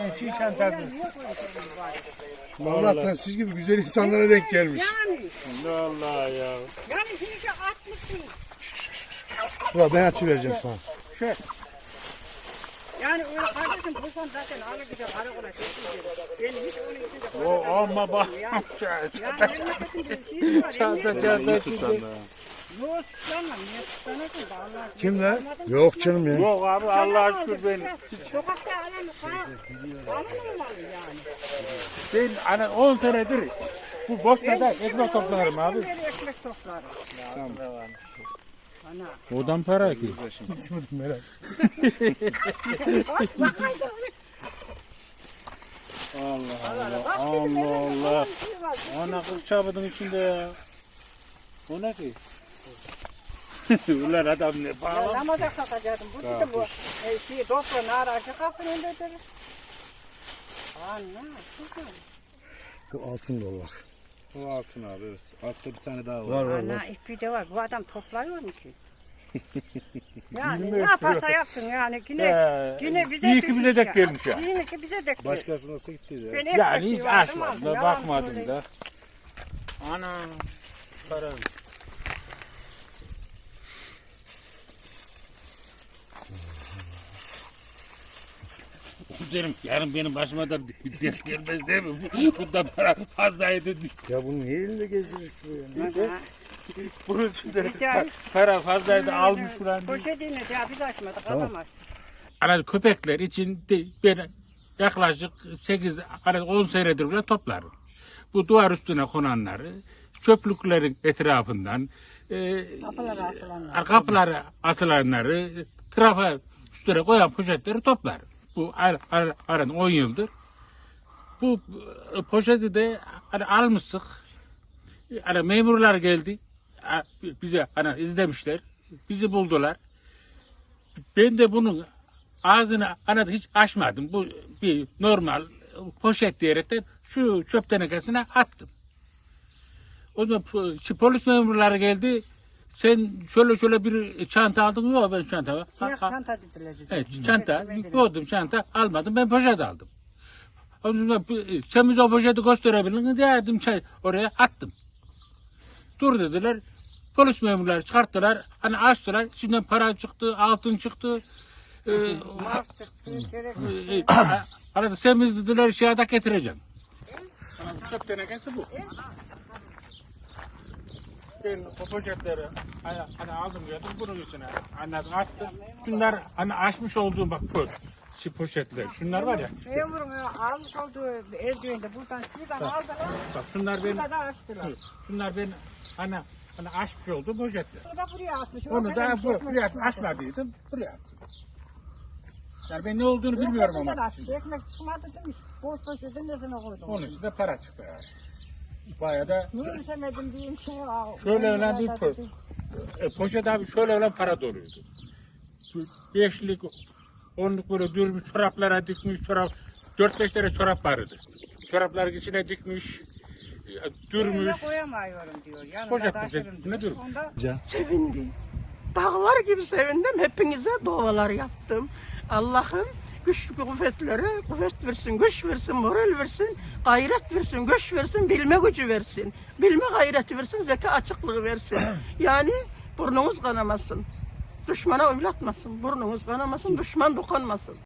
Aynen şey çantası. Allah'tan siz gibi güzel insanlara denk gelmiş. Yani. Allah ya. Yani şimdi atmışsın. Ulan ben açıvereceğim sana. Şey. Yani öyle kardeşim bulsam zaten alır gider karakola çekildi. Ben hiç onun için de O ama bak. Yani memleketin bir şeysi var. Yok suçlanmam. Niye suçlanırsın da Allah'a şükür. Kim lan? Yok canım ya. Yok abi Allah'a şükür ben. Sokakta alan olmalı yani. Ben hani 10 senedir bu Bosna'da ekmek toplarım abi. Ben ekmek toplarım. Ana. Odan para ki. Merak. Allah. Ana kız çabadın içinde ya. O ne ki? Ulan adam ne bağlı? Namaza kalkacaktım. Bu dedim bu doktorun aracı kapının önündedir. Anne. Bu altın dolu bak. O altın abi evet. Altta bir tane daha var. Var var Ana var. ipi de var. Bu adam topluyor mu ki? Yani ne yaparsa yapsın yani yine bize iyi ki bize denk gelmiş ya. Yine ki bize denk gelmiş. Başkasına olsa gitti ya. Yani hiç açmadım da bakmadım da. Ana para. Derim yarın benim başıma da bir ders gelmez değil mi? Bundan para fazlaydı. Ya bunu niye elinde gezdirir bu ya? Bunun içinde para fazlaydı almış falan. Poşetini de biz açmadık adam açtı. Hani köpekler için de ben yaklaşık 10 senedir bile toplarım. Bu duvar üstüne konanları, çöplüklerin etrafından, kapılara asılanları, trafa üstüne koyan poşetleri toplarım. Bu aran 10 yıldır. Bu poşeti de hani almıştık. Hani memurlar geldi. Bize hani izlemişler. Bizi buldular. Ben de bunun ağzını hiç açmadım. Bu bir normal poşet diyerekten şu çöp tenekesine attım. O zaman polis memurları geldi. Sen şöyle bir çanta aldın mı? Yok ben çanta. Siyah çanta dediler bize. Evet çanta. Koydum çanta almadım. Ben poşet aldım. O zaman sen bize o poşeti gösterebilir misin? Dedim oraya attım. Dur dediler. Polis memurları çıkarttılar. Hani açtılar. İçinden para çıktı, altın çıktı. Arada sen biz dediler şahada getireceğim. Çöp tenekesi bu. Ben o poşetleri hani aldım geldim bunun içine anladım attım. Şunlar hani açmış olduğum bak şu poşetler. Şunlar var ya. Memurun almış olduğu eldivende buradan aldılar. Bak şunlar benim. Burada da açtılar. Şunlar ben hani açmış olduğum poşetler. Burada buraya atmış. Onu da buraya açmadıydım. Buraya attım. Yani ben ne olduğunu bilmiyorum ama. Ekmek çıkmadı demiş. Boş poşetin nesine koydum. Onun için de para çıktı yani. Bayağı da Yürütemedim diyeyim şey var. şöyle ölen bir poşet abi şöyle ölen para doluydu. 5'lik 10'luk böyle dürmüş çoraplara dikmiş 4-5 tane çorap vardı. Çorapların içine dikmiş dürmüş. Koyamıyorum diyor. Yanında Poşet taşırım üstüne diyor. dürmüş. Onda Sevindim. Dağlar gibi sevindim. Hepinize dualar yaptım. Allah'ım güç kuvvetlere kuvvet versin, güç versin, moral versin, gayret versin, güç versin, bilme gücü versin. Bilme gayreti versin, zeka açıklığı versin. Yani burnunuz kanamasın. Düşmana oylatmasın. Burnunuz kanamasın, düşman dokunmasın.